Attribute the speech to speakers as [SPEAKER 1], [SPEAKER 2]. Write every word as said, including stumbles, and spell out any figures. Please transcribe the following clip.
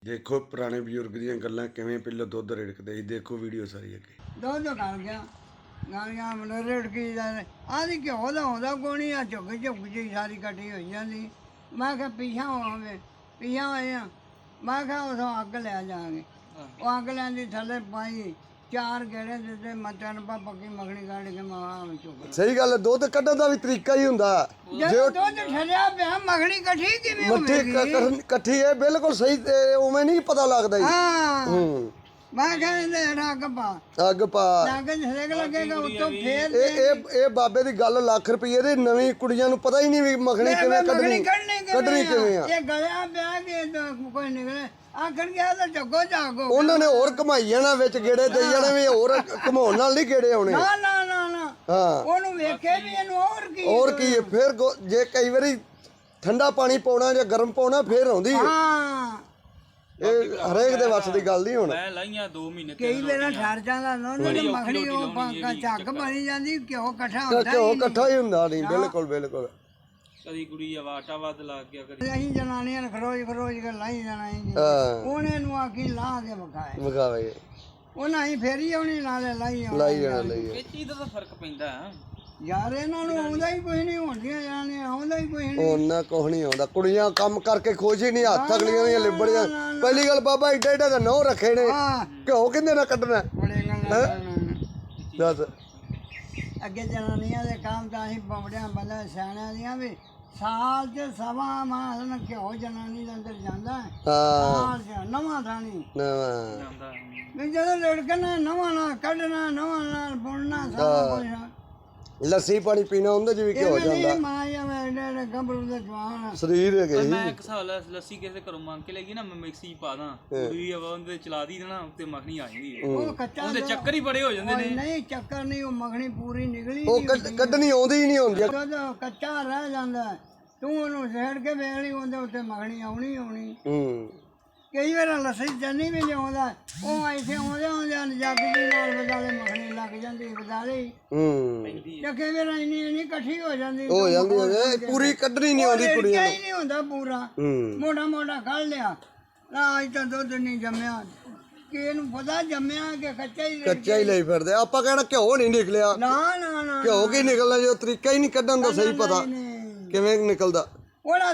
[SPEAKER 1] ਦੇਖੋ ਪੁਰਾਣੇ ਬਜ਼ੁਰਗ ਦੀਆਂ ਗੱਲਾਂ ਕਿਵੇਂ ਪਹਿਲਾਂ ਦੁੱਧ ਰਿੜਕਦੇ ਸੀ। ਦੇਖੋ ਵੀਡੀਓ ਸਾਰੀ ਅੱਗੇ।
[SPEAKER 2] ਦੁੱਧ ਕਰ ਗਿਆ ਗਾਲੀਆਂ ਮਨ ਰਿੜਕੀ ਦਾ ਆਦੀ ਘਿਓ ਦਾ ਆਉਂਦਾ ਕੋਣੀ ਆ ਝੁੱਕ ਝੁੱਕ ਜੀ ਸਾਰੀ ਕੱਟੀ ਹੋਈ ਜਾਂਦੀ। ਮੈਂ ਕਿਹਾ ਪੀਛਾ ਹੋਵੇ ਪੀਛਾ ਹੋਏ ਆ। ਮੈਂ ਕਿਹਾ ਉਥੋਂ ਅੱਗ ਲੈ ਜਾਵਾਂਗੇ। ਉਹ ਅੱਗ ਲੈਂਦੀ ਥੱਲੇ ਪਾਈ ਚਾਰ ਗੇੜੇ ਦਿੱਤੇ ਮਟਨ ਪਾ ਪੱਕੀ ਮੱਖਣੀ ਕੱਢ ਕੇ ਮਾਂ ਚੁੱਕ।
[SPEAKER 1] ਸਹੀ ਗੱਲ ਹੈ। ਦੁੱਧ ਕੱਢਣ ਦਾ ਵੀ ਤਰੀਕਾ ਹੀ ਹੁੰਦਾ।
[SPEAKER 2] ਜੇ ਦੁੱਧ ਠਰਿਆ ਪਿਆ ਮੱਖਣੀ ਇਕੱਠੀ ਕਿਵੇਂ ਹੋਵੇਗੀ?
[SPEAKER 1] ਇਕੱਠੀ ਹੈ ਬਿਲਕੁਲ ਸਹੀ। ਉਵੇਂ ਨਹੀਂ ਪਤਾ ਲੱਗਦਾ ਜੀ।
[SPEAKER 2] ਹਾਂ
[SPEAKER 1] ਹੂੰ
[SPEAKER 2] ਮੈਂ ਕਹਿੰਦੇ ਅੱਗ ਪਾ
[SPEAKER 1] ਅੱਗ ਪਾ
[SPEAKER 2] ਅੱਗ ਛੇਕ ਲੱਗੇਗਾ ਉੱਤੋਂ ਫੇਰ
[SPEAKER 1] ਇਹ ਇਹ ਇਹ ਬਾਬੇ ਦੀ ਗੱਲ ਲੱਖ ਰੁਪਏ ਦੀ। ਨਵੀਂ ਕੁੜੀਆਂ ਨੂੰ ਪਤਾ ਹੀ ਨਹੀਂ ਵੀ ਮੱਖਣੀ ਕਿਵੇਂ ਕੱਢਣੀ ਕੱਢਣੀ ਕਿਵੇਂ ਆ।
[SPEAKER 2] ਇਹ ਗਲਿਆ ਪਿਆ ਕਿ ਕੋਈ ਨਿਕਲੇ ਆਖਣ ਗਿਆ ਤਾਂ ਜੱਗੋ ਜਾਗੋ।
[SPEAKER 1] ਉਹਨਾਂ ਨੇ ਹੋਰ ਘਮਾਈ ਜਾਣਾ ਵਿੱਚ ਗੇੜੇ ਦੇਈ ਜਾਣੇ ਵੀ ਹੋਰ ਘਮਾਉਣ ਨਾਲ ਨਹੀਂ ਗੇੜੇ ਆਉਣੇ।
[SPEAKER 2] ਨਾ ਨਾ ਨਾ ਨਾ
[SPEAKER 1] ਹਾਂ
[SPEAKER 2] ਉਹਨੂੰ ਵੇਖੇ ਵੀ ਇਹਨੂੰ ਹੋਰ ਕੀ
[SPEAKER 1] ਹੋਰ ਕੀ ਫਿਰ ਜੇ ਕਈ ਵਾਰੀ ਠੰਡਾ ਪਾਣੀ ਪਾਉਣਾ ਜਾਂ ਗਰਮ ਪਾਉਣਾ ਫਿਰ ਆਉਂਦੀ ਹੈ।
[SPEAKER 2] ਹਾਂ
[SPEAKER 1] ਇਹ ਹਰੇਕ ਦੇ ਵੱਸ ਦੀ ਗੱਲ ਨਹੀਂ ਹੁਣ।
[SPEAKER 3] ਮੈਂ ਲਾਈਆਂ ਦੋ ਮਹੀਨੇ
[SPEAKER 2] ਕਈ ਵੇਲੇ ਠਰ ਜਾਂਦਾ ਨਾ ਮੱਖਣੀ ਉਹ ਪਾਕਾ ਝੱਗ ਬਣੀ ਜਾਂਦੀ ਘਿਓ ਇਕੱਠਾ ਹੁੰਦਾ
[SPEAKER 1] ਘਿਓ ਇਕੱਠਾ ਹੀ ਹੁੰਦਾ ਨਹੀਂ। ਬਿਲਕੁਲ ਬਿਲਕੁਲ।
[SPEAKER 3] ਕਦੀ ਕੁੜੀ ਆ ਆਟਾ ਵੱਧ ਲੱਗ ਗਿਆ ਕਦੀ
[SPEAKER 2] ਅਸੀਂ ਜਨਾਨੀਆਂ ਨੇ ਖਰੋਜ ਖਰੋਜ ਕੇ ਲਾਈ ਜਾਣਾ ਸੀ।
[SPEAKER 1] ਹਾਂ
[SPEAKER 2] ਉਹਨੇ ਨੂੰ ਆਖੀ ਲਾ ਕੇ ਵਿਖਾਏ
[SPEAKER 1] ਵਿਖਾਵੇ
[SPEAKER 2] ਉਹਨਾਂ ਹੀ ਫੇਰੀ ਆਉਣੀ ਨਾਲੇ ਲਾਈ ਆਉਣੀ।
[SPEAKER 1] ਲਾਈ ਜਾਣਾ ਲਈ
[SPEAKER 3] ਇਹ ਚੀਜ਼ ਦਾ ਤਾਂ ਫਰਕ ਪੈਂਦਾ।
[SPEAKER 2] ਯਾਰ ਇਹਨਾਂ ਨੂੰ ਆਉਂਦਾ ਹੀ ਕੋਈ ਨਹੀਂ ਹੁੰਦੀਆਂ ਜਾਣੇ ਆਉਂਦਾ ਹੀ ਕੋਈ ਨਹੀਂ।
[SPEAKER 1] ਉਹਨਾਂ ਕੁਛ ਨਹੀਂ ਆਉਂਦਾ। ਕੁੜੀਆਂ ਕੰਮ ਕਰਕੇ ਖੁਸ਼ ਹੀ ਨਹੀਂ। ਹੱਥ ਅਗਲੀਆਂ ਦੀਆਂ ਲਿਬੜ ਜਾਂ। ਪਹਿਲੀ ਗੱਲ ਬਾਬਾ ਏਡਾ ਏਡਾ ਦਾ ਨਹੁੰ ਰੱਖੇ ਨੇ।
[SPEAKER 2] ਹਾਂ
[SPEAKER 1] ਘਿਓ ਕਿੰਦੇ ਨਾਲ ਕੱਢਣਾ
[SPEAKER 2] ਬੜੇ ਗੱਲਾਂ
[SPEAKER 1] ਦੱਸ।
[SPEAKER 2] ਅੱਗੇ ਜਨਾਨੀਆਂ ਦੇ ਕੰਮ ਤਾਂ ਅਸੀਂ ਬਵੜਿਆਂ ਬੰਦਾ ਸਿਆਣਿਆਂ ਦੀਆਂ ਵੀ ਸਾਲ ਚ ਸਵਾ ਮਾਸ ਨਾ ਘਿਓ ਜਨਾਨੀ ਦੇ ਅੰਦਰ ਜਾਂਦਾ।
[SPEAKER 1] ਹਾਂ
[SPEAKER 2] ਸਾਲ ਚ ਨਵਾਂ ਥਾਣੀ
[SPEAKER 1] ਨਵਾਂ
[SPEAKER 3] ਜਾਂਦਾ
[SPEAKER 2] ਵੀ ਜਦੋਂ ਲੜਕਣਾ ਨਵਾਂ ਨਾ ਕੱਢਣਾ ਨਵਾਂ ਨਾਲ ਬੁਣਨਾ ਸਾਰਾ ਕੁਝ।
[SPEAKER 1] ਲੱਸੀ ਪਾਣੀ ਪੀਣਾ ਉਹਦੇ ਚ ਵੀ ਘਿਓ ਜਾਂਦਾ।
[SPEAKER 2] ਮਾਂ ਜਾਂ ਮੇਰੇ ਗੱਭਰੂ ਦੇ ਜਵਾਨ
[SPEAKER 1] ਸਰੀਰ ਹੈਗੇ
[SPEAKER 3] ਮੈਂ ਇੱਕ ਸਾਲ ਲੱਸੀ ਕਿਸੇ ਘਰੋਂ ਮੰਗ ਕੇ ਲੈ ਗਈ ਨਾ ਮੈਂ ਮਿਕਸੀ ਪਾ ਦਾਂ ਕੁੜੀ ਆਵਾ ਉਹਦੇ ਚਲਾ ਦੀ ਦੇਣਾ ਉੱਤੇ ਮੱਖਣੀ ਆ ਜਾਂਦੀ ਹੈ।
[SPEAKER 2] ਉਹ ਕੱਚਾ
[SPEAKER 3] ਉਹਦੇ ਚੱਕਰ ਹੀ ਬੜੇ ਹੋ ਜਾਂਦੇ ਨੇ।
[SPEAKER 2] ਨਹੀਂ ਚੱਕਰ ਨਹੀਂ ਉਹ ਮੱਖਣੀ ਪੂਰੀ ਨਿਕਲੀ
[SPEAKER 1] ਉਹ ਕੱਢਣੀ ਆਉਂਦੀ ਹੀ ਨਹੀਂ ਹੁੰਦੀ।
[SPEAKER 2] ਜਦੋਂ ਕੱਚਾ ਰਹਿ ਜਾਂਦਾ ਤੂੰ ਉਹਨੂੰ ਛੇੜ ਕੇ ਵੇਖ ਲਈ ਉਹਦੇ ਉੱਤੇ ਮੱਖਣੀ ਆਉਣੀ ਆਉਣੀ।
[SPEAKER 1] ਹੂੰ
[SPEAKER 2] ਕਈ ਵਾਰ ਲੱਸੀ ਚੰਨੀ ਵੀ ਲਿਆਉਂਦਾ ਉਹ ਇੱਥੇ ਆਉਂਦੇ ਆਉਂਦੇ ਜੱਗ ਦੀ ਨਾਲ ਬਦਾਲੇ ਮੱਖਣੀ ਲੱਗ ਜਾਂਦੀ ਬਦਾਲੇ।
[SPEAKER 1] ਹੂੰ
[SPEAKER 2] ਤੇ ਕਈ ਵਾਰ ਇੰਨੀ ਇੰਨੀ ਇਕੱਠੀ ਹੋ ਜਾਂਦੀ
[SPEAKER 1] ਹੋ ਜਾਂਦੀ ਹੈ ਪੂਰੀ ਕੱਢਣੀ ਨਹੀਂ ਆਉਂਦੀ ਕੁੜੀਆਂ
[SPEAKER 2] ਹੀ ਨਹੀਂ ਹੁੰਦਾ ਪੂਰਾ।
[SPEAKER 1] ਹੂੰ
[SPEAKER 2] ਮੋਟਾ ਮੋਟਾ ਕੱਢ ਲਿਆ ਨਾ ਅੱਜ ਤਾਂ ਦੁੱਧ ਨਹੀਂ ਜੰਮਿਆ ਕਿ ਇਹਨੂੰ ਪਤਾ ਜੰਮਿਆ ਕਿ ਕੱਚਾ ਹੀ
[SPEAKER 1] ਕੱਚਾ ਹੀ ਲਈ ਫਿਰਦੇ। ਆਪਾਂ ਕਹਿਣਾ ਘਿਓ ਨਹੀਂ ਨਿਕਲਿਆ।
[SPEAKER 2] ਨਾ ਨਾ ਨਾ
[SPEAKER 1] ਘਿਓ ਕੀ ਨਿਕਲਣਾ ਜੋ ਤਰੀਕਾ ਹੀ ਨਹੀਂ ਕੱਢਣ ਦਾ ਸਹੀ ਪਤਾ ਕਿਵੇਂ ਨਿਕਲਦਾ।
[SPEAKER 2] ਉਹਦਾ